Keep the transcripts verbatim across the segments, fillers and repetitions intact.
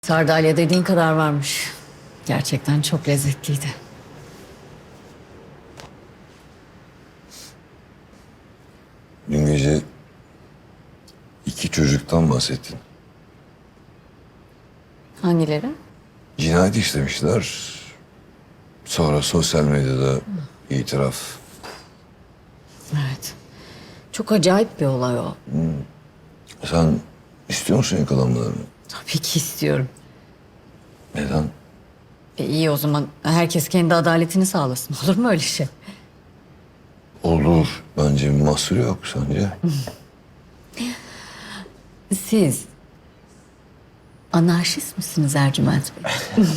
Sardalya dediğin kadar varmış. Gerçekten çok lezzetliydi. Dün gece iki çocuktan bahsettin. Hangileri? Cinayet işlemişler. Sonra sosyal medyada itiraf. Evet. Çok acayip bir olay o. Sen istiyor musun yakalanmalarını? Tabii ki istiyorum. Neden? E iyi o zaman herkes kendi adaletini sağlasın. Olur mu öyle şey? Olur. Bence bir mahsuru yok sence. Siz anarşist misiniz Ercüment Bey?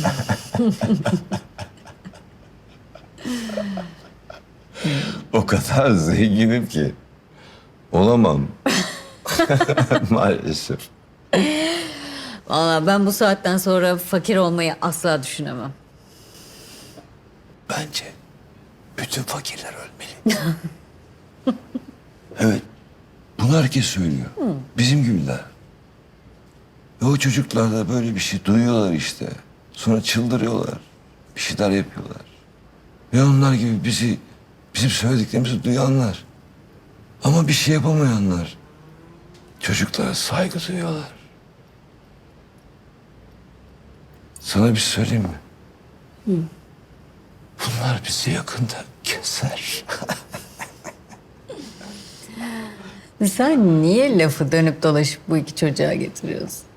O kadar zenginim ki. Olamam. Maalesef. Vallahi ben bu saatten sonra fakir olmayı asla düşünemem. Bence bütün fakirler ölmeli. Evet. Bunu herkes söylüyor. Bizim gibiler. Ve o çocuklar da böyle bir şey duyuyorlar işte. Sonra çıldırıyorlar. Bir şeyler yapıyorlar. Ve onlar gibi bizi, bizim söylediklerimizi duyanlar. Ama bir şey yapamayanlar. Çocuklara saygı duyuyorlar. Sana bir şey söyleyeyim mi? Bunlar bizi yakında keser. Sen niye lafı dönüp dolaşıp bu iki çocuğa getiriyorsun?